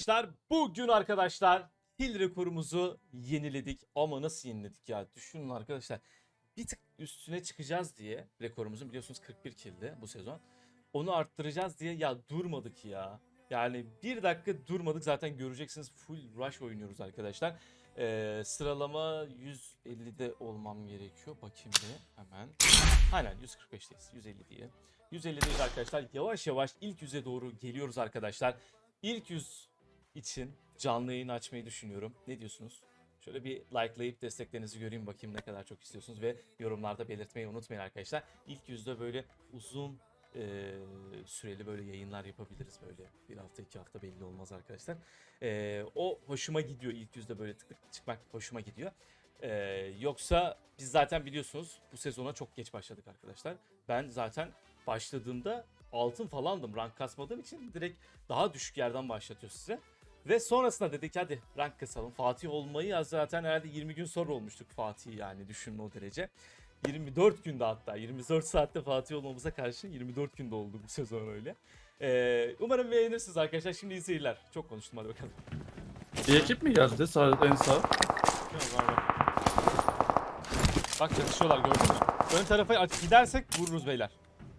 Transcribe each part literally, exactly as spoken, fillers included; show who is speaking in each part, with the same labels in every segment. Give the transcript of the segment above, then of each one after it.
Speaker 1: arkadaşlar. Bugün arkadaşlar kill rekorumuzu yeniledik. Ama nasıl yeniledik ya? Düşünün arkadaşlar. Bir tık üstüne çıkacağız diye rekorumuzun, biliyorsunuz kırk bir kill'di bu sezon. Onu arttıracağız diye ya durmadık ya. Yani bir dakika durmadık, zaten göreceksiniz full rush oynuyoruz arkadaşlar. Ee, sıralama yüz ellide olmam gerekiyor. Bakayım bir hemen. Aynen yüz kırk beşteyiz. yüz elli diye. yüz ellideyiz arkadaşlar. Yavaş yavaş ilk yüze doğru geliyoruz arkadaşlar. İlk yüz için canlı yayın açmayı düşünüyorum. Ne diyorsunuz? Şöyle bir likelayıp desteklerinizi göreyim, bakayım ne kadar çok istiyorsunuz ve yorumlarda belirtmeyi unutmayın arkadaşlar. İlk yüzde böyle uzun e, süreli böyle yayınlar yapabiliriz, böyle bir hafta iki hafta belli olmaz arkadaşlar. E, o hoşuma gidiyor, ilk yüzde böyle tık tık çıkmak hoşuma gidiyor. E, yoksa biz zaten biliyorsunuz bu sezona çok geç başladık arkadaşlar. Ben zaten başladığımda altın falandım, rank kasmadığım için direkt daha düşük yerden başlatıyor size. Ve sonrasında dedik hadi rank kasalım. Fatih olmayı ya zaten herhalde yirmi gün sonra olmuştuk Fatih, yani düşünün o derece. yirmi dört günde, hatta yirmi dört saatte Fatih olmamıza karşı yirmi dört günde oldu bu sezon öyle. Ee, umarım beğenirsiniz arkadaşlar. Şimdi iyi seyirler. Çok konuştum, hadi bakalım.
Speaker 2: Bir ekip mi geldi sağ, en sağ?
Speaker 1: Yok, var, var. Bak çatışıyorlar, gördün mü? Ön tarafa aç gidersek vururuz beyler.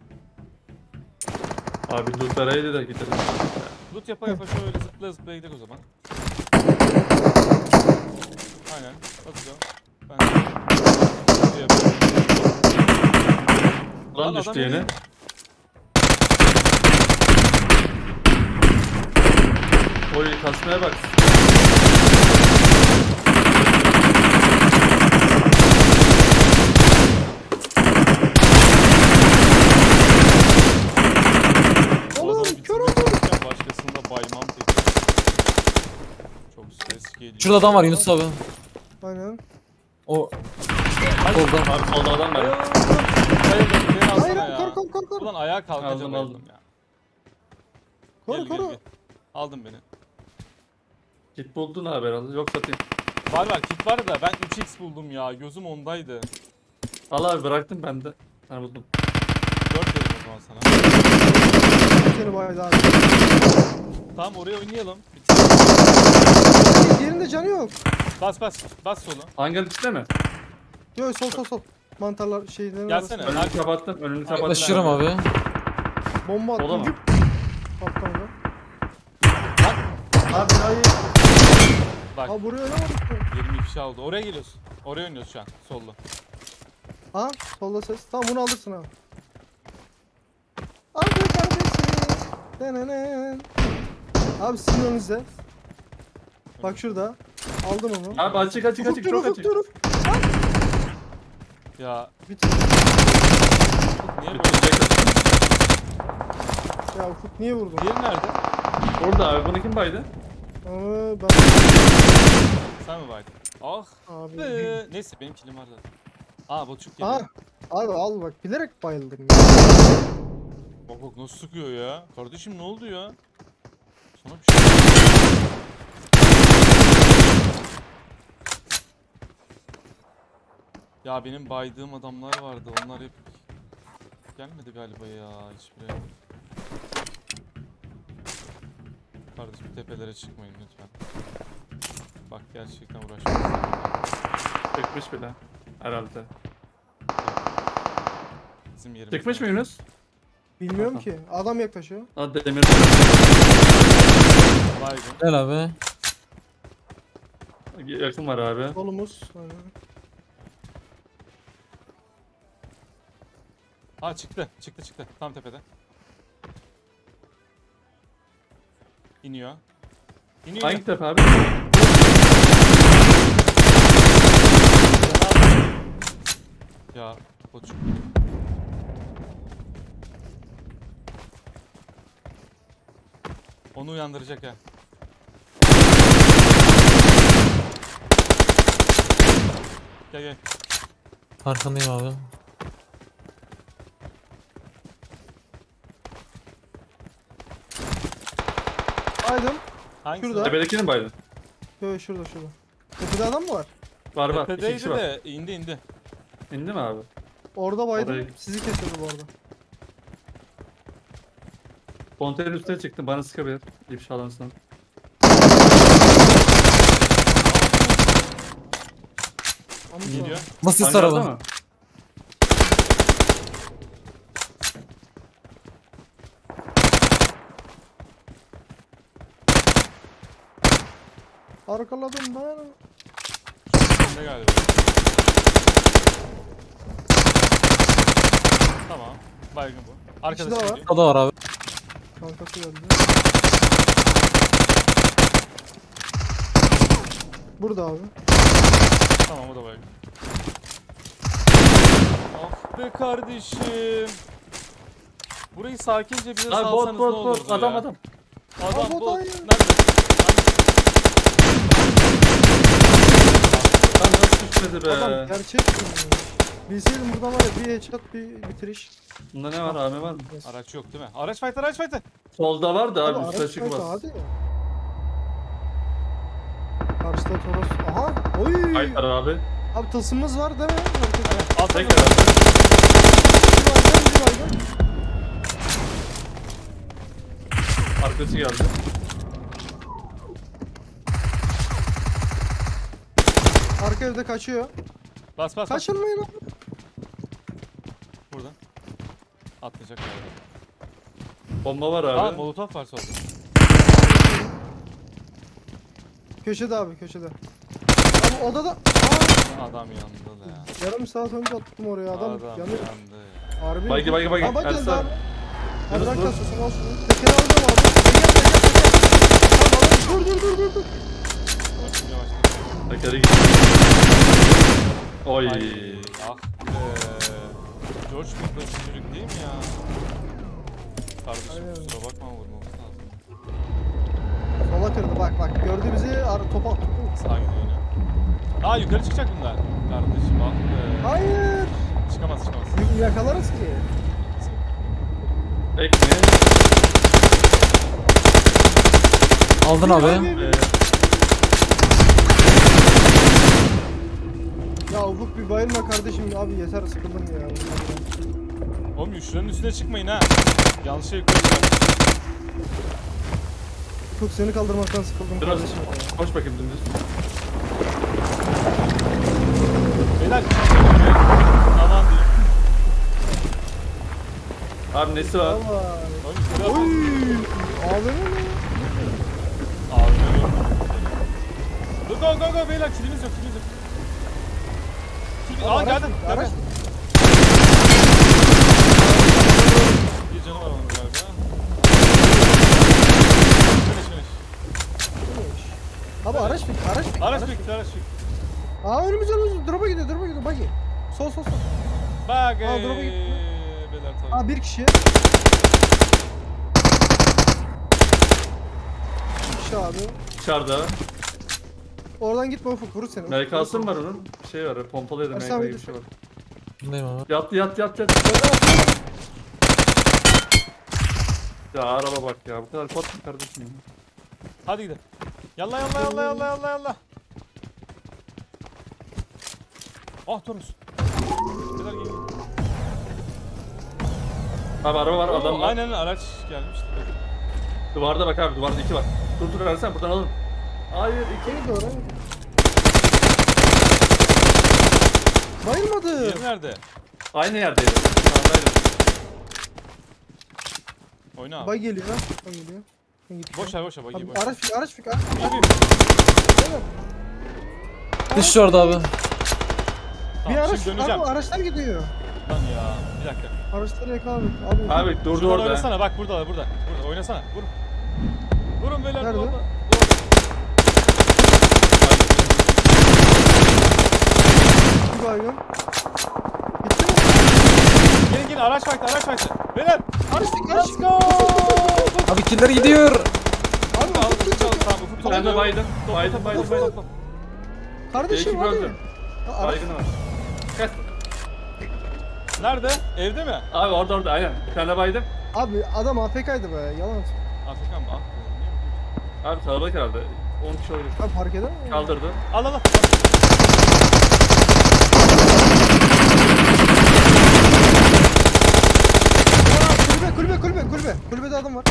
Speaker 2: Abi Luthera'ydı da gidelim.
Speaker 1: Loot yapa yapa şöyle zıplaya zıplaya gidelim o zaman. Aynen. Hadi ben de yapıyorum.
Speaker 2: Lan
Speaker 1: Lan
Speaker 2: düştü
Speaker 1: adam
Speaker 2: yine.
Speaker 1: yine-
Speaker 2: Oy kasmaya bak.
Speaker 1: Oğlum kör oldum. Başkasında baymam peki. Çok ses geliyor.
Speaker 3: Şurada adam var Yunus abi.
Speaker 4: Aynen.
Speaker 3: O solda.
Speaker 2: Abi solda adam
Speaker 1: Hayır,
Speaker 2: var.
Speaker 1: hayır, beni alsana
Speaker 4: Hayır
Speaker 1: ya.
Speaker 4: kor kor kor kor.
Speaker 1: Ulan ayağa kalkacağım,
Speaker 2: Aldım,
Speaker 1: bayıldım
Speaker 2: aldım.
Speaker 1: ya.
Speaker 4: Koru
Speaker 1: Gel, gel,
Speaker 4: koru.
Speaker 1: gel. Aldın beni.
Speaker 2: Git buldun abi herhalde. Yok satayım.
Speaker 1: Var var, kit var da ben üç x buldum ya. Gözüm ondaydı.
Speaker 2: Al abi bıraktım ben de. Ha buldum.
Speaker 1: dört verim o zaman sana.
Speaker 4: Seni baydı abi.
Speaker 1: Tamam, oraya oynayalım.
Speaker 4: Yerinde canı yok.
Speaker 1: Bas bas. Bas solu.
Speaker 2: Hangarın içinde mi?
Speaker 4: Yok sol sol sol. Mantarlar şeylerin
Speaker 1: Gelsene.
Speaker 4: arasında.
Speaker 2: Önünü kapattım. Önünü kapattım.
Speaker 3: Yaklaşırım abi.
Speaker 4: Bomba
Speaker 2: Sola
Speaker 4: attım.
Speaker 2: mı?
Speaker 4: Güp. Kaptanı.
Speaker 2: Abi hayır.
Speaker 1: Bak,
Speaker 4: Aa buraya oynamadık mı?
Speaker 1: yirmi ifşa oldu. Oraya geliyorsun. Oraya oynuyoruz şu an. Sollu.
Speaker 4: Aa solda ses. Tamam bunu alırsın abi. Abi kardeşim. Denenen. Abi sizin önünüzde. Bak şurada. Aldım onu.
Speaker 2: Abi açık açık
Speaker 4: Ufuk
Speaker 2: açık
Speaker 4: dur
Speaker 2: çok
Speaker 4: ufuk
Speaker 2: açık.
Speaker 4: dur.
Speaker 1: Ya
Speaker 4: Bitir.
Speaker 1: niye böyle?
Speaker 4: Ya Ufuk niye vurdun?
Speaker 1: Diğeri nerede?
Speaker 2: Orada abi bunu kim baydı?
Speaker 4: Aa ben.
Speaker 1: Sen mi baydın? Ah
Speaker 4: Abi.
Speaker 1: be. Neyse benim kilim var zaten. Aa botçuk geliyor.
Speaker 4: Aa. Abi al bak bilerek bayıldım ya.
Speaker 1: Bak bak nasıl sıkıyor ya. Kardeşim ne oldu ya? Sana bir şey... Ya benim baydığım adamlar vardı. Onlar hep gelmedi galiba ya hiçbiri. Kardeşim tepelere çıkmayın lütfen. Bak gerçekten uğraşmıyoruz.
Speaker 2: Çıkmış bile. Herhalde.
Speaker 1: Bizim yerimiz.
Speaker 2: Çıkmış mı Yunus?
Speaker 4: Bilmiyorum
Speaker 2: Aha.
Speaker 4: ki. Adam yaklaşıyor.
Speaker 2: Hadi demir.
Speaker 1: Baygın.
Speaker 3: Gel abi.
Speaker 2: Yakın var abi.
Speaker 4: Solumuz. Aynen.
Speaker 1: Aa çıktı. Çıktı çıktı. Tam tepede. İniyor. İniyor.
Speaker 2: Hangi tepe abi?
Speaker 1: Ya botçuk. Onu uyandıracak ha. Gel gel.
Speaker 3: Arkandayım abi.
Speaker 4: Aydım.
Speaker 1: Hangisi?
Speaker 4: Şurada.
Speaker 2: Tepedekini mi baydın?
Speaker 4: Yok şurada şurada. Tepede adam mı var?
Speaker 2: Var var. İki
Speaker 1: Tepedeydi
Speaker 2: kişi var.
Speaker 1: de indi indi.
Speaker 2: İndi mi abi?
Speaker 4: Orada baydım.
Speaker 2: Orayı-
Speaker 4: Sizi kesiyordu bu arada.
Speaker 2: Konteyner üstüne çıktım bana sıkabilir. İfşalansın.
Speaker 4: Ama
Speaker 1: Geliyor.
Speaker 3: Nasıl
Speaker 2: Hangarda
Speaker 3: araba?
Speaker 2: mı?
Speaker 4: Arkaladım ben.
Speaker 1: Ne galiba. Tamam. Baygın bu. Arkadaşı
Speaker 4: daha var.
Speaker 1: geliyor.
Speaker 3: O da var abi.
Speaker 4: Kankası geldi. Burada abi.
Speaker 1: Tamam o da baygın. Ah be kardeşim. Burayı sakince bize
Speaker 2: Abi bot
Speaker 1: salsanız ne
Speaker 2: bot
Speaker 1: olurdu
Speaker 2: bot adam
Speaker 1: ya?
Speaker 2: adam.
Speaker 1: Adam
Speaker 4: Aa, bot
Speaker 1: bot.
Speaker 4: hayır.
Speaker 1: Nerede?
Speaker 2: Lan nasıl düşmedi be?
Speaker 4: Adam gerçek mi? Bilseydim burada var ya bir headshot bir bitiriş.
Speaker 2: Bunda ne var abi var mı?
Speaker 1: Araç yok değil mi? Araç fight araç fight.
Speaker 2: Solda var da abi
Speaker 4: Abi
Speaker 2: üstüne
Speaker 4: araç
Speaker 2: çıkmaz.
Speaker 4: kaydı, hadi ya. Karşıda Toros. Aha. Oy.
Speaker 2: Hayır abi.
Speaker 4: Abi tılsımımız var değil mi? Herkes-
Speaker 1: Alsana.
Speaker 2: Tekrar abi.
Speaker 4: Bir baygın, bir baygın.
Speaker 2: Arkası geldi.
Speaker 4: Arka evde kaçıyor.
Speaker 1: Bas bas bas.
Speaker 4: Kaçırmayın abi.
Speaker 1: Buradan. Atlayacak galiba.
Speaker 2: Bomba var
Speaker 1: Aa
Speaker 2: abi.
Speaker 1: molotof var solda.
Speaker 4: Köşede abi köşede. Abi odada. Aa,
Speaker 1: Adam yandı da ya.
Speaker 4: yarım saat önce attım oraya adam,
Speaker 1: Adam
Speaker 4: yanıyor.
Speaker 1: yandı ya.
Speaker 4: Harbi.
Speaker 2: Baygi baygi baygi.
Speaker 4: Aa bak geldi
Speaker 2: Ersan.
Speaker 4: abi. Abi
Speaker 2: Yunus
Speaker 4: bırak
Speaker 2: dur.
Speaker 4: kasıyorsun al şunu. Tekeri alacağım abi. Teker teker teker. Tamam abi dur dur dur dur. dur.
Speaker 1: Yavaş yavaş.
Speaker 2: Tekeri gitti. Oy.
Speaker 1: Ay ah be. George Bush'la çocuk değil mi ya? Kardeşim
Speaker 4: Aynen.
Speaker 1: kusura bakma vurmamız lazım.
Speaker 4: Sola kırdı bak bak gördü bizi ar topa attı.
Speaker 1: Sağa gidiyor yine. Aa yukarı çıkacak bunlar. Kardeşim ah be.
Speaker 4: Hayır.
Speaker 1: Çıkamaz çıkamaz.
Speaker 4: Y- Yakalarız ki.
Speaker 2: Ek ne?
Speaker 3: Aldın abi.
Speaker 2: Ee,
Speaker 4: Ya Ufuk bir bayılma kardeşim abi yeter sıkıldım ya.
Speaker 1: Oğlum şuranın üstüne çıkmayın ha. Yanlış şey koyacağım.
Speaker 4: Ufuk seni kaldırmaktan sıkıldım
Speaker 2: Biraz
Speaker 4: kardeşim. ya.
Speaker 2: koş bakayım dümdüz.
Speaker 1: Beyler aman diyeyim.
Speaker 2: Abi nesi var?
Speaker 4: Valla.
Speaker 1: Oğlum yukarı
Speaker 4: Oy.
Speaker 1: atın.
Speaker 4: Abi mi?
Speaker 1: Abi ne yok. Dur go go go beyler kilimiz yok kilimiz yok. Kill... Aa
Speaker 4: Araç
Speaker 1: geldim.
Speaker 4: bitti,
Speaker 1: Geldim.
Speaker 4: araç
Speaker 1: Bir canı var onun galiba. Finish finish.
Speaker 4: bitmiş. Abi araç bitti araç bitti.
Speaker 1: Araç bitti araç bitti.
Speaker 4: Aa önümüzde önümüzde drop'a gidiyor drop'a gidiyor buggy. Sol sol sol.
Speaker 1: Bak
Speaker 4: Aa,
Speaker 1: eee.
Speaker 4: drop'a gitti.
Speaker 1: Beyler tabii.
Speaker 4: Aa bir kişi. Bir kişi abi.
Speaker 2: Dışarıda.
Speaker 4: Oradan gitme Ufuk vurur seni.
Speaker 2: M K'sı mı var onun? Bir şey var. Pompalı ya da M
Speaker 4: Ersan
Speaker 2: K
Speaker 4: bir
Speaker 2: gibi bir şey var.
Speaker 3: Bundayım abi.
Speaker 2: Yat yat yat yat. Ya araba bak ya. Bu kadar kot mu kardeşim? ya?
Speaker 1: Hadi gidelim. Yalla yalla yalla yalla yalla yalla. Ah Toros. Beyler geliyor.
Speaker 2: Abi araba var adam
Speaker 1: Oo,
Speaker 2: var.
Speaker 1: Aynen araç gelmişti.
Speaker 2: Duvarda bak abi duvarda iki var. Dur dur Ersan buradan alın. Hayır iki.
Speaker 4: Geri doğru. Bayılmadı.
Speaker 1: Yeri nerede?
Speaker 2: Aynı yerdeydi. Sağdaydı.
Speaker 1: Oyna abi.
Speaker 4: Bay geliyor. Bay geliyor. Ben gittim.
Speaker 1: Boş ver boş ver bagi
Speaker 4: Abi,
Speaker 1: boş ver.
Speaker 4: araç fik araç fik. Abi.
Speaker 1: Abi,
Speaker 3: Dış orada abi.
Speaker 4: Bir
Speaker 1: Tamam,
Speaker 4: araç.
Speaker 1: şimdi döneceğim.
Speaker 4: Abi araçlar gidiyor.
Speaker 1: Lan ya bir dakika.
Speaker 4: Araçları yakaladık. Abi.
Speaker 2: Abi durdu
Speaker 1: Şuradan
Speaker 2: orada.
Speaker 1: oynasana bak burada burada. Burada oynasana. Vur. Vurun beyler
Speaker 4: Nerede?
Speaker 1: orada.
Speaker 4: Bir baygın. Bitti mi?
Speaker 1: Gelin gelin araç vakti araç vakti. Beyler.
Speaker 4: Araç fik araç
Speaker 1: Let's
Speaker 4: fik.
Speaker 1: go.
Speaker 3: Abi killer gidiyor.
Speaker 4: Abi
Speaker 1: Al
Speaker 4: Ufuk
Speaker 1: ufuk
Speaker 4: git.
Speaker 1: al tamam ufuk
Speaker 2: Ben de
Speaker 1: topluyor.
Speaker 2: baydım.
Speaker 1: Topla,
Speaker 2: Baydım
Speaker 1: topla,
Speaker 2: baydım
Speaker 1: topla,
Speaker 2: baydım.
Speaker 1: topla.
Speaker 4: Kardeşim
Speaker 2: İki
Speaker 4: hadi.
Speaker 2: öldü.
Speaker 4: Ya, araç-
Speaker 2: Baygını var. Kes.
Speaker 1: Nerede? Evde mi?
Speaker 2: Abi orada orada aynen. Bir tane baydım.
Speaker 4: Abi adam A F K'ydı be yalan.
Speaker 1: Afrika mı? Ah be.
Speaker 2: Abi kalabalık herhalde. on kişi oynuyor.
Speaker 4: Abi fark eder mi?
Speaker 2: Kaldırdı.
Speaker 1: Al al al.
Speaker 4: Aa, kulübe kulübe kulübe kulübe. Kulübede adam var.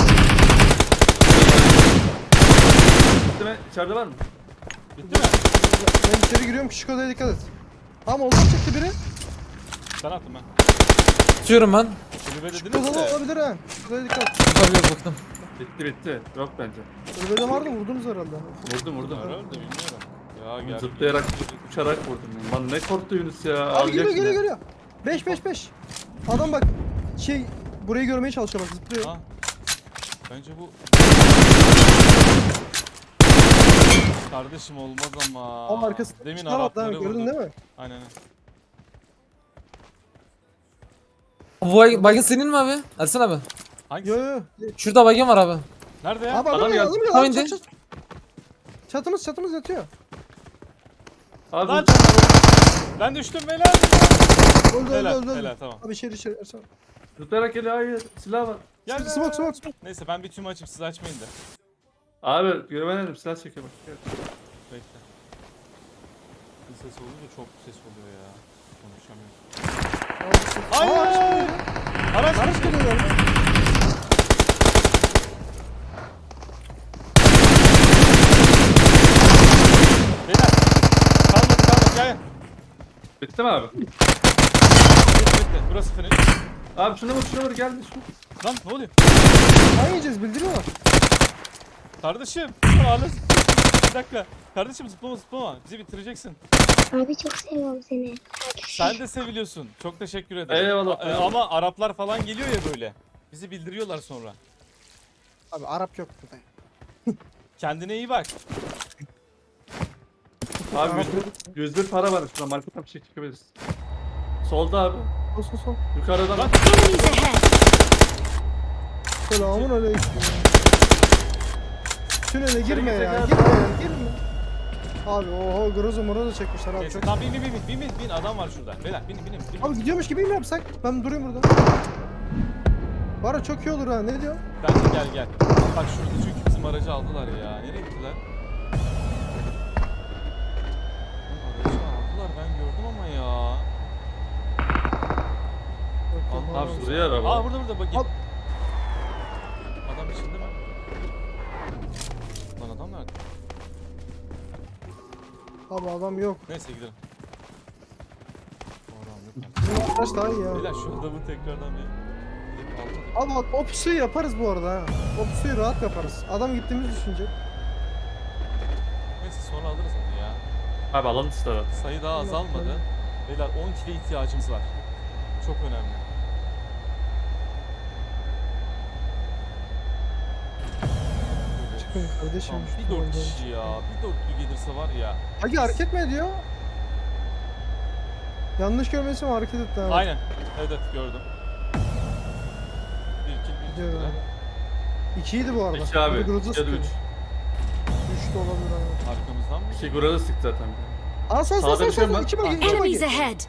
Speaker 2: Bitti mi? İçeride var mı?
Speaker 1: Bitti mi?
Speaker 4: Ben içeri giriyorum, küçük odaya dikkat et. Tamam, oldu çıktı biri.
Speaker 1: Sen attım ben.
Speaker 3: Tutuyorum ben.
Speaker 1: Kulübe
Speaker 4: Küçük
Speaker 1: dediniz
Speaker 4: odada
Speaker 1: de.
Speaker 4: olabilir ha. Küçük odaya dikkat et.
Speaker 3: Tabii yok baktım.
Speaker 2: Bitti bitti. Yok bence.
Speaker 4: Kulübede vardı, vurdunuz herhalde.
Speaker 2: Vurdum vurdum.
Speaker 1: Herhalde bilmiyorum. Ya gel.
Speaker 2: Zıplayarak, uçarak vurdum. Lan ne korktu Yunus ya.
Speaker 4: Abi
Speaker 2: Ağlayacak
Speaker 4: geliyor, geliyor,
Speaker 2: şimdi.
Speaker 4: geliyor. beş beş beş. Adam bak, şey, burayı görmeye çalışıyor bak, zıplıyor.
Speaker 1: Ha. Bence bu kardeşim olmaz ama.
Speaker 4: Ama arkasında
Speaker 1: Demin
Speaker 4: çıkamadı ha,
Speaker 1: Arapları
Speaker 4: gördün
Speaker 1: vurduk.
Speaker 4: değil mi?
Speaker 1: Aynen. aynen.
Speaker 3: Bu bay- baygın senin mi abi? Ersen abi.
Speaker 1: Hangisi?
Speaker 4: Yo yo.
Speaker 3: Şurada baygın var abi.
Speaker 1: Nerede ya?
Speaker 4: Abi adam,
Speaker 2: Adam
Speaker 4: ya,
Speaker 2: geldi.
Speaker 4: adam ya,
Speaker 3: Tam
Speaker 4: adam
Speaker 3: indi.
Speaker 4: çat, çat. Çatımız çatımız yatıyor.
Speaker 2: Abi
Speaker 1: Lan!
Speaker 2: vuracağım.
Speaker 1: Ben düştüm beyler.
Speaker 4: Öldü öldü
Speaker 1: Helal,
Speaker 4: öldü. öldü.
Speaker 1: helal, tamam.
Speaker 4: Abi içeri içeri Ersan.
Speaker 2: Zıplayarak geliyor. Hayır. Silah var.
Speaker 1: Gel.
Speaker 4: Smoke smoke smoke.
Speaker 1: Neyse ben bir tüm açıp siz açmayın da.
Speaker 2: Abi güvenelim. Silah çekiyor bak. Gel.
Speaker 1: Bekle. Bir ses olunca çok ses oluyor ya. Konuşamıyorum.
Speaker 4: Hayır.
Speaker 1: Hayır! Araç
Speaker 4: Araç
Speaker 1: geçti.
Speaker 4: geliyor galiba.
Speaker 1: Beyler. Kalmadı kalmadı gel.
Speaker 2: Bitti mi abi?
Speaker 1: Bitti bitti. Burası finish.
Speaker 2: Abi şuna vur şuna vur geldi şu.
Speaker 1: Lan ne oluyor?
Speaker 4: Ne yiyeceğiz bildiriyorlar.
Speaker 1: Kardeşim. Ağla. Bir dakika. Kardeşim zıplama zıplama. Bizi bitireceksin.
Speaker 5: Abi çok seviyorum seni.
Speaker 1: Sen de seviliyorsun. Çok teşekkür ederim.
Speaker 2: Eyvallah,
Speaker 1: A-
Speaker 2: eyvallah.
Speaker 1: Ama Araplar falan geliyor ya böyle. Bizi bildiriyorlar sonra.
Speaker 4: Abi Arap yok burada.
Speaker 1: Kendine iyi bak.
Speaker 2: Abi yüz bir, yüz bir para var şurada. Marketten bir şey çıkabiliriz. Solda abi.
Speaker 4: Sol sol sol.
Speaker 2: Yukarıda
Speaker 1: Lan.
Speaker 2: bak.
Speaker 5: Enemies ahead.
Speaker 4: Selamun aleyküm. Tünele girme
Speaker 2: girecek
Speaker 4: ya.
Speaker 2: abi.
Speaker 4: Girme ya. Girme. Abi oho grozo morozo çekmişler abi.
Speaker 1: Neyse
Speaker 4: Çok...
Speaker 1: tamam bin bin bin bin bin bin adam var şurada. Beyler bin bin bin.
Speaker 4: Abi gidiyormuş gibi mi yapsak? Ben durayım burada. Var ya çok iyi olur ha. Ne diyor?
Speaker 1: Bence gel gel. Bak şurada çünkü bizim aracı aldılar ya. Nereye gittiler? Lan aracı aldılar ben gördüm ama ya.
Speaker 4: Yok, yok,
Speaker 2: Abi
Speaker 4: abi.
Speaker 2: şuraya araba.
Speaker 1: Aa burada burada bak git.
Speaker 4: Al.
Speaker 1: Adam içinde mi? Lan adam nerede?
Speaker 4: Abi adam yok.
Speaker 1: Neyse gidelim. Oram yok.
Speaker 4: Bizim arkadaş daha iyi ya.
Speaker 1: Beyler şu adamı tekrardan bir gidip almadım.
Speaker 4: Abi bak o pusuyu yaparız bu arada ha. O pusuyu rahat yaparız. Adam gittiğimizi düşünecek.
Speaker 1: Neyse sonra alırız onu ya.
Speaker 2: Abi alan ister.
Speaker 1: Sayı daha azalmadı. Beyler on kile ihtiyacımız var. Çok önemli.
Speaker 4: Çıkın kardeşim.
Speaker 1: Tamam, bir dört kişi ya. Bir dörtlü gelirse var ya.
Speaker 4: Hagi hareket mi ediyor? Yanlış görmesi mi hareket etti abi?
Speaker 1: Aynen. Evet evet gördüm. Bir kill bir
Speaker 4: Gidiyor
Speaker 1: kill.
Speaker 4: abi. İkiydi bu arada.
Speaker 2: İki abi.
Speaker 4: Biri groza
Speaker 2: İki ya da
Speaker 4: sıkıyordu.
Speaker 2: üç.
Speaker 4: Üç de olabilir abi.
Speaker 1: Arkamızdan mı?
Speaker 2: İki gurada sık zaten.
Speaker 4: Aa sağ sağ
Speaker 2: Sağda
Speaker 4: sağ
Speaker 2: bir şey
Speaker 4: sağ.
Speaker 2: var.
Speaker 4: İki bagi iki
Speaker 5: Enemies
Speaker 4: bagi.
Speaker 5: ahead.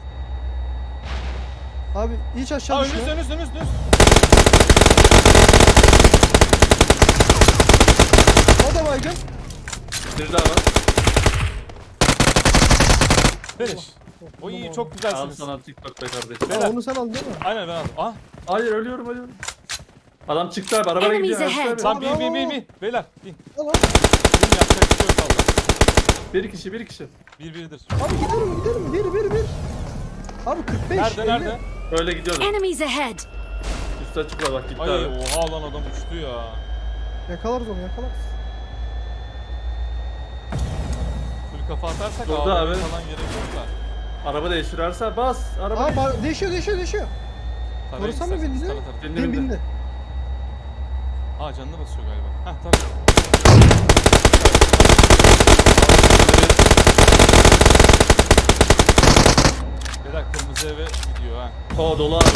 Speaker 4: Abi hiç aşağı
Speaker 1: Aa
Speaker 4: düşme.
Speaker 1: önünüz önünüz önünüz önünüz.
Speaker 4: O da baygın.
Speaker 2: Bir daha var.
Speaker 1: Finish. O iyi çok
Speaker 2: Al
Speaker 1: güzelsiniz.
Speaker 2: sana TikTok be kardeşim.
Speaker 1: Beyler.
Speaker 4: Aa, onu sen aldın değil mi?
Speaker 1: Aynen ben aldım. Ah
Speaker 2: Hayır ölüyorum ölüyorum. Adam çıktı abi arabaya
Speaker 5: Enemies
Speaker 2: gidiyor.
Speaker 5: ahead.
Speaker 2: Ersin abi.
Speaker 1: lan bin bin bin bin. Beyler bin.
Speaker 4: Al al.
Speaker 1: Bin yapacak bir şey yok valla.
Speaker 2: Bir kişi bir kişi.
Speaker 1: Bir biridir.
Speaker 4: Abi gidelim gidelim. Bir bir bir. Abi kırk beş.
Speaker 1: Nerede
Speaker 4: elli.
Speaker 1: nerede?
Speaker 2: Öyle gidiyoruz.
Speaker 5: Enemies ahead.
Speaker 2: Üstü açık var bak gitti
Speaker 1: Ay
Speaker 2: abi.
Speaker 1: oha lan adam uçtu ya.
Speaker 4: Yakalarız onu yakalarız.
Speaker 1: Full kafa atarsak
Speaker 2: Durdu
Speaker 1: ağlamaya
Speaker 2: abi.
Speaker 1: falan gerek yok da.
Speaker 2: Araba değiştirirse bas. Araba
Speaker 4: Aa
Speaker 2: değiş-
Speaker 4: ba- değişiyor değişiyor değişiyor.
Speaker 1: Tarayın
Speaker 4: Korusan mı
Speaker 1: isterseniz,
Speaker 4: bindi?
Speaker 1: tara tara.
Speaker 2: Bindi,
Speaker 4: Bin
Speaker 2: bindi.
Speaker 4: bindi.
Speaker 1: Aa canına basıyor galiba. Heh tabii. Beyler kırmızı eve gidiyor ha.
Speaker 2: O dolu abi.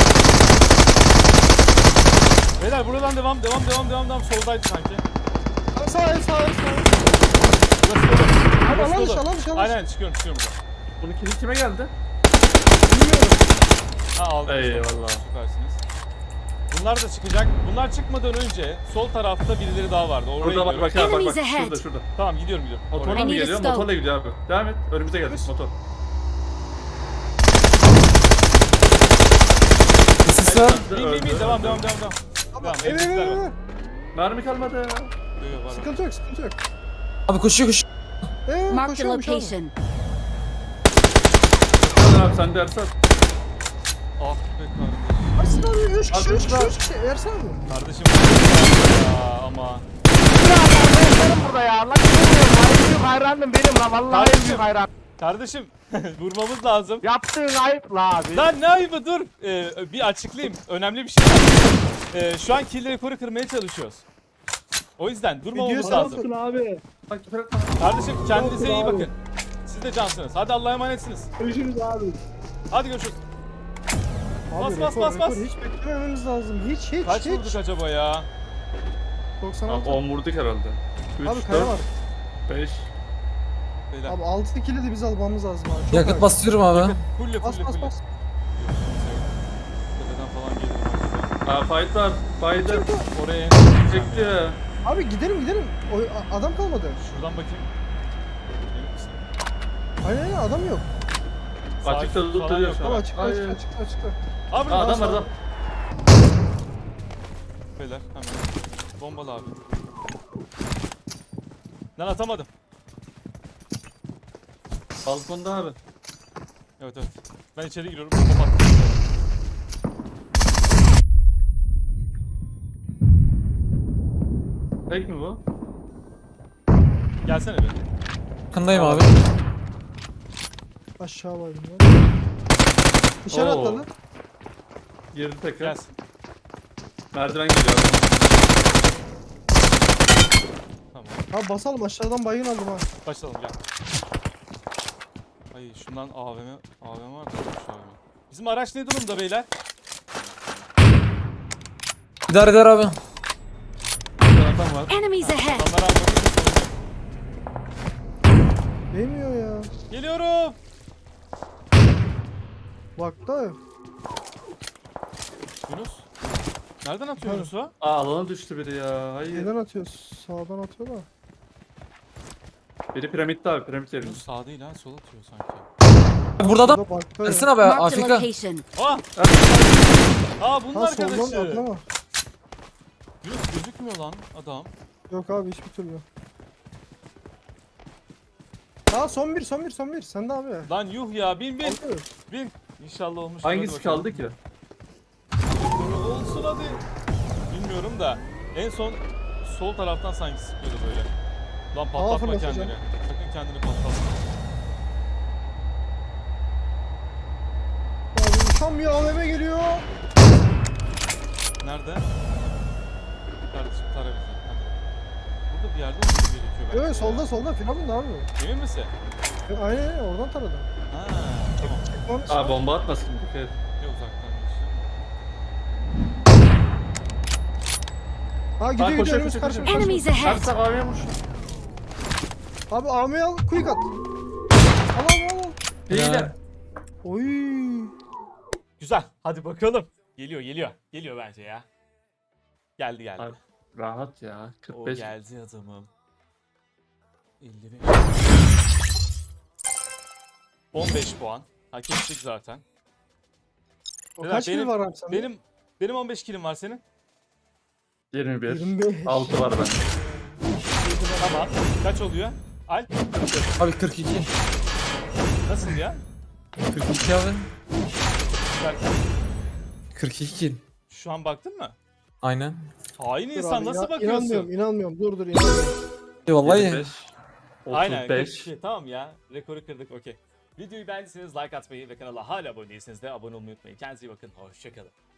Speaker 1: Beyler buradan devam devam devam devam devam soldaydı sanki.
Speaker 4: Aa, Sağ el sağ el sağ el.
Speaker 1: Burası dolu.
Speaker 4: Abi
Speaker 1: Burası
Speaker 4: alan
Speaker 1: dolu.
Speaker 4: dışı alan dışı alan dışı.
Speaker 1: Aynen çıkıyorum çıkıyorum buradan.
Speaker 2: Bunun kili kime geldi?
Speaker 4: Bilmiyorum.
Speaker 1: Ha aldım.
Speaker 2: Eyvallah.
Speaker 1: Süpersiniz. Bunlar da çıkacak. Bunlar çıkmadan önce sol tarafta birileri daha vardı. Oraya
Speaker 2: Burada bak
Speaker 1: gidiyorum.
Speaker 2: bak abi bak
Speaker 5: Enemies
Speaker 2: bak.
Speaker 5: ahead.
Speaker 2: Şurada şurada.
Speaker 1: Tamam gidiyorum gidiyorum.
Speaker 2: Motorla
Speaker 1: Oraya.
Speaker 2: mı
Speaker 5: I need a
Speaker 2: geliyor?
Speaker 5: stop.
Speaker 2: Motorla gidiyor abi. Devam et. Önümüze geldik motor.
Speaker 3: Sis var.
Speaker 1: Bin bin bin
Speaker 2: Öldü.
Speaker 1: devam devam devam devam. Devam.
Speaker 4: Evet evet
Speaker 1: evdekiler
Speaker 4: evet.
Speaker 1: var.
Speaker 4: evet.
Speaker 2: Mermi kalmadı.
Speaker 1: Yok, yok, var, var.
Speaker 4: Sıkıntı yok sıkıntı yok.
Speaker 3: Abi koşuyor koşuyor.
Speaker 4: Ee,
Speaker 6: Marked a
Speaker 4: koşuyormuş abi.
Speaker 6: location.
Speaker 2: Sen abi sen de Ersan.
Speaker 1: Ah be kardeşim.
Speaker 4: Ersin abi üç kişi
Speaker 2: Abi,
Speaker 4: üç kişi
Speaker 2: ben-
Speaker 4: üç kişi. Ersin abi.
Speaker 1: Kardeşim ya ama.
Speaker 7: Benim burada ya. Lan bilmiyorum. En büyük hayranım benim lan. Vallahi en büyük hayran.
Speaker 1: Kardeşim vurmamız lazım.
Speaker 7: Yaptığın ayıp la abi.
Speaker 1: Lan ne ayıbı dur. Ee, bir açıklayayım. Önemli bir şey var. Ee, şu an kill rekoru kırmaya çalışıyoruz. O yüzden durmamamız
Speaker 4: Videoyu
Speaker 1: lazım.
Speaker 4: sana abi.
Speaker 2: Bak küfür etme.
Speaker 1: Kardeşim kendinize iyi
Speaker 4: Abi.
Speaker 1: bakın. Siz de cansınız. Hadi Allah'a emanetsiniz.
Speaker 4: Görüşürüz abi.
Speaker 1: Hadi görüşürüz.
Speaker 4: Abi
Speaker 1: Bas, bas,
Speaker 4: rekor,
Speaker 1: bas,
Speaker 4: rekor.
Speaker 1: bas.
Speaker 4: Hiç beklemememiz lazım. Hiç hiç
Speaker 1: Kaç
Speaker 4: hiç.
Speaker 1: vurduk acaba ya?
Speaker 4: doksan
Speaker 2: Abi
Speaker 4: altı.
Speaker 2: on vurduk herhalde.
Speaker 4: Abi
Speaker 2: üç,
Speaker 4: kaya
Speaker 2: dört,
Speaker 4: var.
Speaker 2: beş.
Speaker 1: Beyler.
Speaker 4: Abi altı kili de biz almamız lazım abi. Çok
Speaker 3: Yakıt
Speaker 4: acil.
Speaker 3: basıyorum abi.
Speaker 1: Fulle
Speaker 4: Bas
Speaker 1: fulle
Speaker 4: bas
Speaker 1: fulle.
Speaker 4: bas.
Speaker 1: Tepeden falan gelirim acaba.
Speaker 2: Aa fight var. Fight.
Speaker 1: Oraya
Speaker 2: Çekti ya.
Speaker 4: Abi gidelim gidelim. O, a- adam kalmadı.
Speaker 1: Şuradan bakayım. Emin misin?
Speaker 4: Aynen aynen adam yok.
Speaker 1: Sağ
Speaker 2: Açıkta
Speaker 1: üst falan
Speaker 2: duruyor
Speaker 1: yok
Speaker 2: şu
Speaker 4: Abi
Speaker 2: an.
Speaker 4: açıkta
Speaker 2: Ay,
Speaker 4: açıkta açıkta açıkta.
Speaker 1: Abi
Speaker 2: Aa, adam var adam.
Speaker 1: Beyler hemen. Bombalı abi. Lan atamadım.
Speaker 2: Balkonda abi.
Speaker 1: Evet evet. Ben içeri giriyorum. Bomba attım.
Speaker 2: Tek mi bu?
Speaker 1: Gelsene bir.
Speaker 3: Yakındayım abi.
Speaker 4: Aşağı var bunlar. Dışarı
Speaker 2: Oo.
Speaker 4: atladı.
Speaker 2: Girdi tekrar.
Speaker 1: Gelsin.
Speaker 2: Merdiven geliyor.
Speaker 1: Tamam.
Speaker 4: Abi basalım aşağıdan baygın aldım ha.
Speaker 1: Başlayalım gel. Ay şundan A V M, A V M var da şu A V M. Bizim araç ne durumda beyler?
Speaker 3: İdare eder abi.
Speaker 2: Burada adam var.
Speaker 6: Enemies ahead.
Speaker 1: Adamlar almadı.
Speaker 4: Değmiyor ya.
Speaker 1: Geliyorum.
Speaker 4: Bak da.
Speaker 1: Yunus. Nereden atıyor
Speaker 4: Hadi.
Speaker 1: Yunus o?
Speaker 2: Aa alana düştü biri ya. Hayır.
Speaker 4: Neden atıyor? Sağdan atıyor da.
Speaker 2: Biri piramitte abi piramit yerinde.
Speaker 1: Yunus sağ değil ha sol atıyor sanki.
Speaker 3: Burada adam.
Speaker 4: Burada bakta ya.
Speaker 3: Ersin abi
Speaker 6: Marked a
Speaker 3: Afrika.
Speaker 6: location.
Speaker 1: Ah! Aa bunun
Speaker 4: Ha soldan
Speaker 1: arkadaşı.
Speaker 4: atlama.
Speaker 1: Yunus gözükmüyor lan adam.
Speaker 4: Yok abi hiçbir türlü. Aa son bir son bir son bir. Sen de abi.
Speaker 1: Lan yuh ya bin bin
Speaker 4: Altı.
Speaker 1: bin. İnşallah olmuş.
Speaker 2: Hangisi kaldı ki?
Speaker 1: Olsun hadi. Bilmiyorum da en son sol taraftan sanki sıkıyordu böyle. Lan patlatma
Speaker 4: fırlatacağım.
Speaker 1: kendini. Sakın kendini patlatma.
Speaker 4: Abi tam bir A V M geliyor.
Speaker 1: Nerede? Kardeşim tara bizi. Hadi. Burada bir yerde olması gerekiyor bence.
Speaker 4: Evet solda solda filan da abi.
Speaker 1: Emin misin?
Speaker 4: E, Aynen aynen oradan taradı.
Speaker 1: Ha tamam.
Speaker 4: Tamam.
Speaker 2: Aa bomba atmasın. Dikkat et.
Speaker 1: Bir uzaktan geçti.
Speaker 4: Ha gidiyor
Speaker 2: Aa,
Speaker 4: gidiyor
Speaker 2: koşuyor,
Speaker 4: önümüz
Speaker 2: koşuyor,
Speaker 4: karşı
Speaker 2: koşuyor.
Speaker 4: karşı.
Speaker 6: Enemies ahead.
Speaker 2: Ersan abiye vurmuş.
Speaker 4: Abi A V M'yi al quick at. Al al al.
Speaker 2: Hile.
Speaker 4: Oy.
Speaker 1: Güzel. Hadi bakalım. Geliyor geliyor. Geliyor bence ya. Geldi geldi.
Speaker 2: Abi, rahat ya.
Speaker 1: O
Speaker 2: kırk beş.
Speaker 1: geldi adamım. elli on beş puan. Hak ettik zaten.
Speaker 4: O
Speaker 1: Beyler,
Speaker 4: kaç
Speaker 1: benim-
Speaker 4: kill var abi sende?
Speaker 1: Benim benim on beş kilim var senin.
Speaker 2: yirmi bir.
Speaker 4: yirmi beş.
Speaker 2: altı var bende.
Speaker 1: Tamam. Kaç oluyor? Al.
Speaker 3: Abi kırk iki.
Speaker 1: Nasıl ya?
Speaker 3: kırk iki abi.
Speaker 1: Derken,
Speaker 3: kırk iki kill.
Speaker 1: şu an baktın mı?
Speaker 3: Aynen.
Speaker 1: Hain
Speaker 4: Dur
Speaker 1: insan
Speaker 4: abi,
Speaker 1: nasıl
Speaker 4: ya-
Speaker 1: bakıyorsun?
Speaker 4: İnanmıyorum inanmıyorum dur dur inanmıyorum.
Speaker 3: E vallahi.
Speaker 2: yirmi beş.
Speaker 1: Aynen.
Speaker 2: otuz beş.
Speaker 1: kırk iki. Tamam ya. Rekoru kırdık okey. Videoyu beğendiyseniz like atmayı ve kanala hala abone değilseniz de abone olmayı unutmayın. Kendinize iyi bakın. Hoşçakalın.